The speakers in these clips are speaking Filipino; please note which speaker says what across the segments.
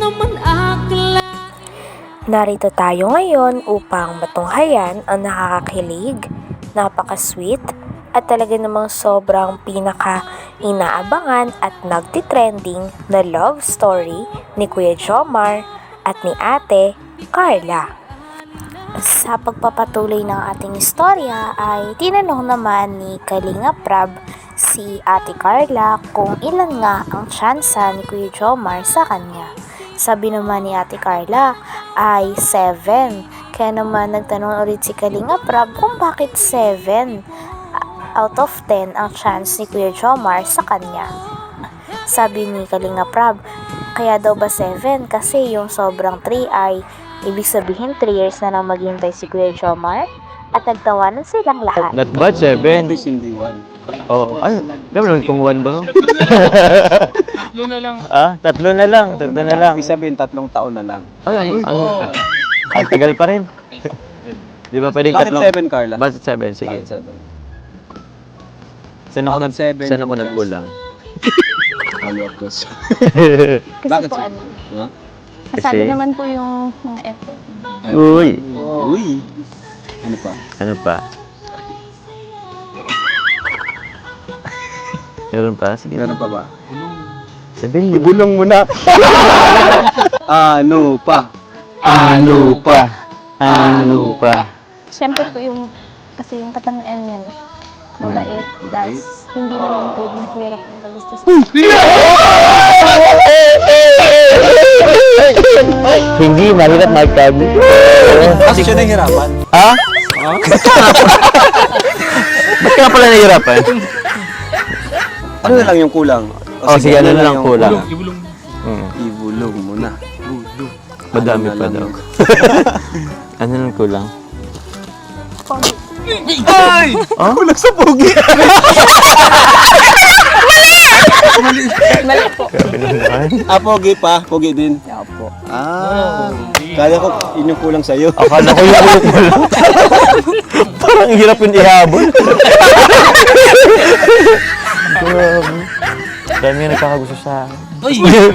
Speaker 1: Narito tayo ngayon upang matunghayan ang nakakakilig, napaka-sweet, at talaga namang sobrang pinaka-inaabangan at nagtitrending na love story ni Kuya Jomar at ni Ate Carla. Sa pagpapatuloy ng ating istorya ay tinanong naman ni Kalinga Prab si Ate Carla kung ilan nga ang tsansa ni Kuya Jomar sa kanya. Sabi naman ni Ate Carla ay 7. Kaya naman nagtanong ulit si Kalinga Prab kung bakit 7 out of 10 ang chance ni Kuya Jomar sa kanya. Sabi ni Kalinga Prab, kaya daw ba 7? Kasi yung sobrang 3 ay ibig sabihin 3 years na lang maghintay si Kuya Jomar at nagtawanan silang lahat.
Speaker 2: Not bad, 7.
Speaker 3: Hindi 1.
Speaker 2: Oh, ay, naman kung 1 ba?
Speaker 3: Tatlo na lang.
Speaker 2: Tatlo na lang.
Speaker 3: Ibig sabihin, 3 taon na lang.
Speaker 2: Ay, ang tagal pa rin. Di ba pwedeng
Speaker 3: Bakit
Speaker 2: tatlong?
Speaker 3: 7, Carla?
Speaker 2: Bakit 7? Sige.
Speaker 3: Bakit 7?
Speaker 2: Saan ako
Speaker 3: Bakit 7?
Speaker 2: nagkulang?
Speaker 3: Follow-up question.
Speaker 4: Kasi
Speaker 3: Bakit
Speaker 4: po
Speaker 3: siya?
Speaker 4: ano,
Speaker 3: Huh?
Speaker 4: kasali
Speaker 2: Kasi-
Speaker 4: naman po yung mga effort.
Speaker 2: Uy.
Speaker 3: Uy! Ano pa?
Speaker 2: Ano pa? Meron pa? Sige.
Speaker 3: Meron pa ba?
Speaker 2: Sabihin mo.
Speaker 3: Ibulong mo na! Ano pa? Ano pa? Ano pa?
Speaker 4: Siyempre po yung, kasi yung katangian niya, mabait, das, hindi naman po mahirap ang kagusto sa
Speaker 2: Hindi, mahirap magtag.
Speaker 3: Kasi siya nahihirapan.
Speaker 2: Ha? Ba't ka pala nahihirapan?
Speaker 3: Ano na lang yung kulang?
Speaker 2: Oh, sige, ano na lang
Speaker 3: yung
Speaker 2: kulang?
Speaker 3: Ibulong.
Speaker 2: Hmm.
Speaker 3: Ibulong mo na.
Speaker 2: Madami
Speaker 3: Ano na
Speaker 2: pa
Speaker 3: lang
Speaker 2: daw.
Speaker 3: yung-
Speaker 2: Ano lang kulang?
Speaker 4: pogi.
Speaker 3: Ay!
Speaker 2: Oh?
Speaker 3: Kulang sa pogi!
Speaker 4: Mali po.
Speaker 3: Pogi pa? Pogi din?
Speaker 4: Opo.
Speaker 3: Kaya ko yun yung kulang sa'yo.
Speaker 2: Akala ko yung ulo lang. Parang hirap yung ihabol. Dami nga nagkakagusto sa akin. Uy!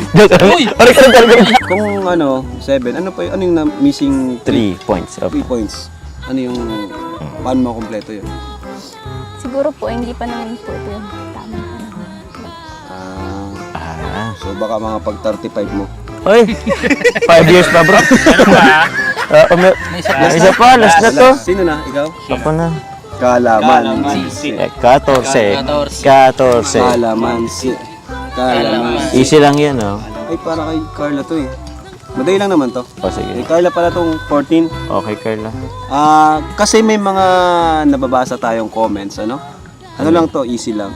Speaker 3: Kung ano, 7, ano pa yun? Ano yung missing
Speaker 2: 3 points.
Speaker 3: 3 points? Ano yung, paano mo kompleto yun?
Speaker 4: Siguro po, hindi pa naman po ito yung tamang panahon.
Speaker 3: So baka mga pag 35 mo.
Speaker 2: Uy! 5 years pa, bro. May isa pa, last na to.
Speaker 3: Sino na? Ikaw?
Speaker 2: Ako na.
Speaker 3: Kalamansi.
Speaker 2: 14.
Speaker 3: Kalamansi. Kalamansi.
Speaker 2: Easy lang yan, oh.
Speaker 3: Ay, para kay Carla to eh. Madali lang naman to.
Speaker 2: O, sige.
Speaker 3: Kay Carla pala tong 14.
Speaker 2: Okay, Carla.
Speaker 3: Kasi may mga nababasa tayong comments, ano? Ano lang to, easy lang.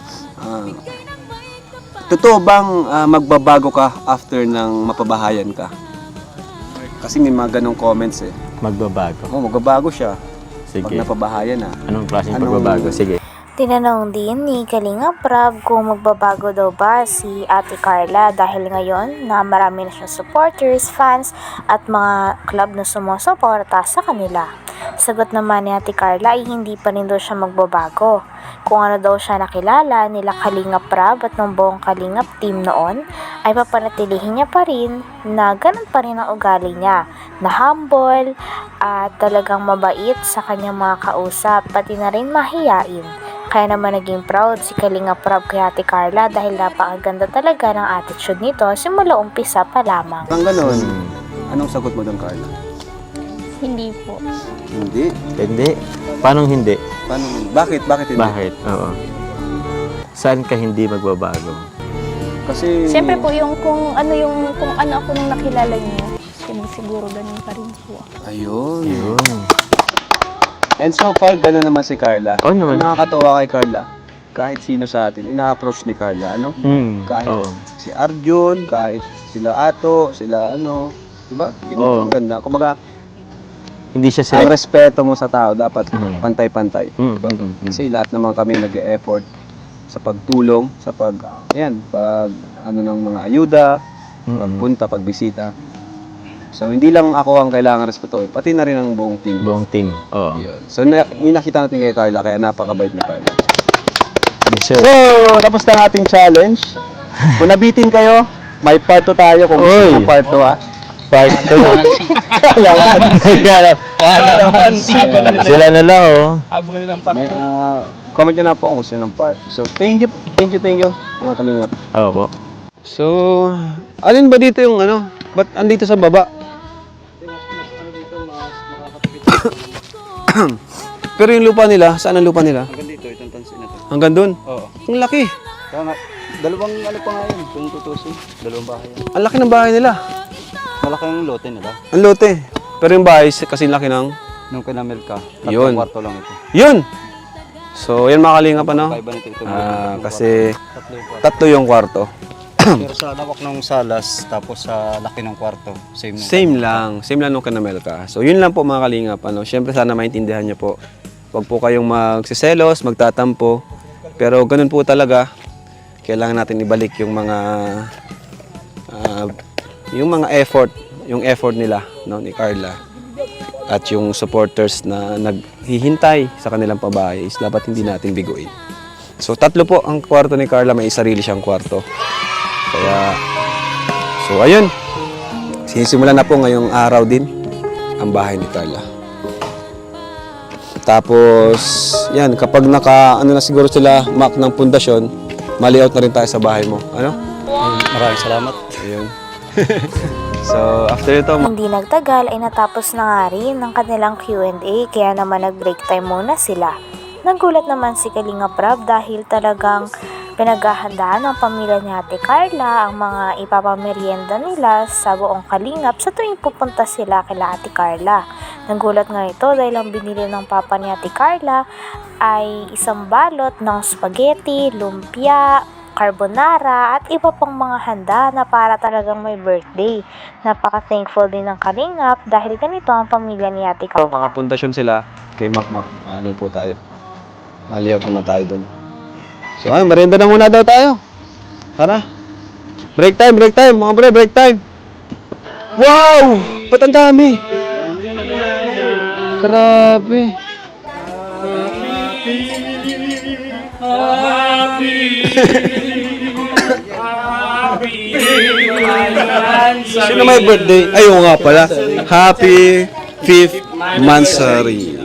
Speaker 3: Totoo bang magbabago ka after ng mapabahayan ka? Kasi may mga ganong comments eh.
Speaker 2: Magbabago.
Speaker 3: Magbabago siya pag
Speaker 2: Sige.
Speaker 3: napabahayan na.
Speaker 2: Anong klaseng
Speaker 3: Anong-
Speaker 2: pagbabago? Sige.
Speaker 1: Tinanong din ni Kalinga Prab kung magbabago daw ba si Ate Carla dahil ngayon na marami na siyang supporters, fans at mga club na sumusuporta sa kanila. Sagot naman ni Ate Carla ay hindi pa rin daw siya magbabago. Kung ano daw siya nakilala nila Kalinga Prab at ng buong Kalingap team noon ay papanatilihin niya pa rin na ganun pa rin ang ugali niya na humble at talagang mabait sa kanyang mga kausap pati na rin mahiyain. Kaya naman naging proud si Kalinga Prab kay Ate Carla dahil napakaganda talaga ng attitude nito simula umpisa pa lamang.
Speaker 3: Kung ganun, anong sagot mo doon, Carla?
Speaker 4: Hindi po.
Speaker 3: Hindi.
Speaker 2: Hindi. Paano hindi?
Speaker 3: Paano? Bakit? Bakit hindi?
Speaker 2: Bakit? Oo. Saan ka hindi magbabago?
Speaker 3: Kasi...
Speaker 4: Siyempre po, yung kung ano ako nung nakilala niyo, siguro ganun pa rin po.
Speaker 3: Ayun.
Speaker 2: Yun.
Speaker 3: And so far, gano'n naman si Carla.
Speaker 2: Oo naman.
Speaker 3: Nakakatawa kay Carla. Kahit sino sa atin, ina-approach ni Carla, ano? Kahit
Speaker 2: Oo.
Speaker 3: si Arjun, kahit sila Ato, sila ano, diba?
Speaker 2: Oo.
Speaker 3: Ang ganda. Kumbaga,
Speaker 2: Hindi siya
Speaker 3: ang
Speaker 2: sila.
Speaker 3: respeto mo sa tao, dapat
Speaker 2: Mhm.
Speaker 3: pantay-pantay. Diba? Kasi lahat naman kami nag-e-effort sa pagtulong, sa pag ano ng mga ayuda, pagpunta, pagbisita. So, hindi lang ako ang kailangan respetuhin, pati na rin ang buong team.
Speaker 2: Buong team. Oo.
Speaker 3: Yun. So, yung nakita natin kay Carla, kaya napakabait ni Carla.
Speaker 2: Yes, sir.
Speaker 3: So, tapos na ang ating challenge. Kung nabitin kayo, May part 2 tayo kung gusto
Speaker 2: Uy.
Speaker 3: mo part 2 ha.
Speaker 2: Part 2. Sila na lang, oh.
Speaker 3: May, comment nyo na po kung gusto ng part. So, thank you, mga kalingap.
Speaker 2: Oo po.
Speaker 3: So, alin ba dito yung ano? Ba't andito sa baba? Pero yung lupa nila, saan ang lupa nila?
Speaker 5: Hanggang dito, itong tansin na to.
Speaker 3: Hanggang doon?
Speaker 5: Oo.
Speaker 3: Ang laki.
Speaker 5: Kaya nga, dalawang ano pa nga yun, kung tutusin. Dalawang bahay yan.
Speaker 3: Ang laki ng bahay nila.
Speaker 5: Malaki ang lote nila.
Speaker 3: Ang lote. Pero yung bahay, kasi laki ng...
Speaker 5: Nung kinamil ka,
Speaker 3: Yun.
Speaker 5: 3 kwarto lang ito.
Speaker 3: Yun! So, yan mga kalingap, ano?
Speaker 5: Kaiba nito ito.
Speaker 3: Kasi
Speaker 5: Tatlo yung kwarto.
Speaker 3: tatlo yung kwarto.
Speaker 5: Pero sa lawak ng salas, tapos sa laki ng kwarto, same lang.
Speaker 3: Same lang nung kanamel ka. So, yun lang po mga kalingap. Ano? Siyempre, sana maintindihan niyo po. Huwag po kayong magsiselos, magtatampo. Pero ganun po talaga. Kailangan natin ibalik yung mga effort, yung effort nila, no, ni Carla. At yung supporters na naghihintay sa kanilang pabahay is dapat hindi natin biguin. So, tatlo po ang kwarto ni Carla. May sarili siyang kwarto. Kaya, so ayun. Sinisimula na po ngayong araw din ang bahay ni Carla. Tapos, yan, kapag ano na siguro sila, mark ng pundasyon, mali-out na rin tayo sa bahay mo. Ano?
Speaker 5: Maraming salamat.
Speaker 3: Ayun. So, after ito,
Speaker 1: Hindi nagtagal ay natapos na nga rin ng kanilang Q&A kaya naman nag-break time muna sila. Nagulat naman si Kalinga Prab dahil talagang pinaghahandaan ng pamilya ni Ate Carla ang mga ipapamerienda nila sa buong Kalingap sa tuwing pupunta sila kila Ate Carla. Nagulat nga ito dahil ang binili ng papa ni Ate Carla ay isang balot ng spaghetti, lumpia, carbonara at iba pang mga handa na para talagang may birthday. Napaka-thankful din ng Kalingap dahil ganito ang pamilya ni Ate Carla.
Speaker 3: mga pundasyon sila kay Makmak. Ano po tayo? Mali-out muna tayo doon. So, ay, merienda na muna daw tayo. Tara. Break time, mga bre, break time. Wow! Ba't ang dami? Grabe. Sino may birthday? Ayaw nga pala. Happy 5th Mansari.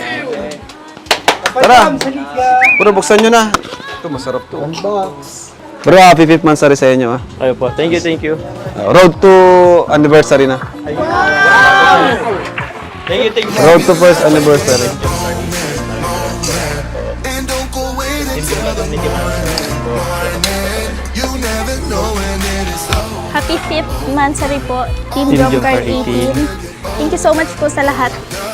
Speaker 3: Tara. Bro, buksan nyo na. Ito, masarap to. Bro, happy 5th Mansari sa inyo. Ah.
Speaker 2: Ayo po. Thank you.
Speaker 3: Road to anniversary na.
Speaker 2: Thank you.
Speaker 3: Road to first anniversary.
Speaker 6: And don't go wait until the morning. You never know when it is over.
Speaker 4: Happy 5th Mansari po, Team
Speaker 2: Team
Speaker 4: Jomcar
Speaker 2: Jomcar
Speaker 4: 18. Thank you so much po sa lahat.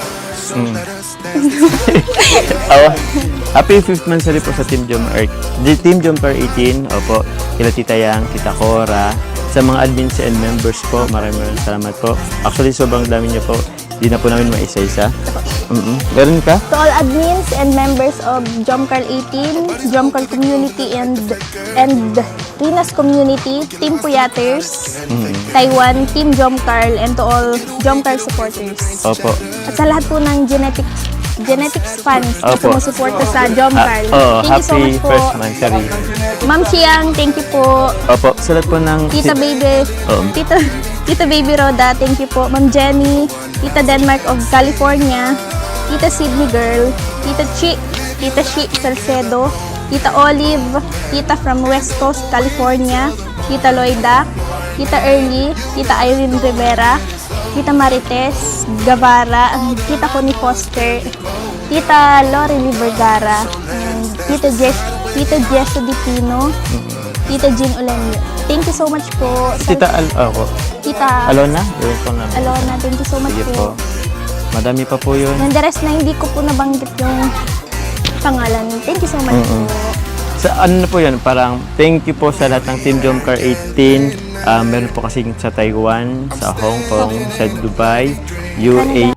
Speaker 2: Happy 5th Mansari po sa Team Jomcar 18. Opo. Kila Tita Yang, Tita Cora. Sa mga admins and members po, maraming salamat po. Actually, sobrang dami niyo po. Di na po namin maisa-isa. Meron ka?
Speaker 4: To all admins and members of Jomcar 18, Jomcar community and Rinas community, Team Puyaters, Taiwan, Team Jomcar, and to all Jomcar supporters.
Speaker 2: Opo.
Speaker 4: At sa lahat po ng genetics fans na
Speaker 2: Opo.
Speaker 4: sumusuporta sa Jomcar.
Speaker 2: Oh,
Speaker 4: Thank you so
Speaker 2: happy
Speaker 4: much po.
Speaker 2: first Mansari.
Speaker 4: Ma'am Chiang, thank you po.
Speaker 2: Opo. Sa lahat po ng...
Speaker 4: Tita Baby,
Speaker 2: Oo.
Speaker 4: Tita Baby Roda, thank you po. Ma'am Jenny, Tita Denmark of California, Tita Sydney Girl, Tita Chi Salcedo, Tita Olive, Tita from West Coast, California, Tita Loida, Tita Early, Tita Irene Rivera, Tita Marites Gavara, Tita Connie Foster, Tita Lori Vergara, and Tita Jessa Di Pino, Tita Jean Olenio. Thank you so much po.
Speaker 2: Tita
Speaker 4: Tita
Speaker 2: Alona? Yun po namin.
Speaker 4: Alona, thank you so much
Speaker 2: Sige
Speaker 4: po.
Speaker 2: po. Madami pa po yun.
Speaker 4: And the rest na hindi ko po nabanggit yung pangalan. Thank you so much po.
Speaker 2: Sa ano na po yun, parang thank you po sa lahat ng Team Jomcar 18. Meron po kasi sa Taiwan, sa Hong Kong, sa Dubai, UAE.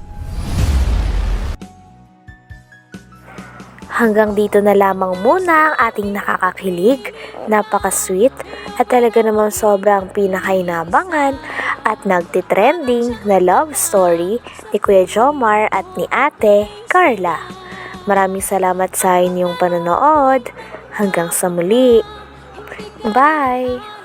Speaker 1: Hanggang dito na lamang muna ang ating nakakakilig, napaka-sweet at talaga namang sobrang pinakainabangan at nagtitrending na love story ni Kuya Jomar at ni Ate Carla. Maraming salamat sa inyong panonood. Hanggang sa muli. Bye!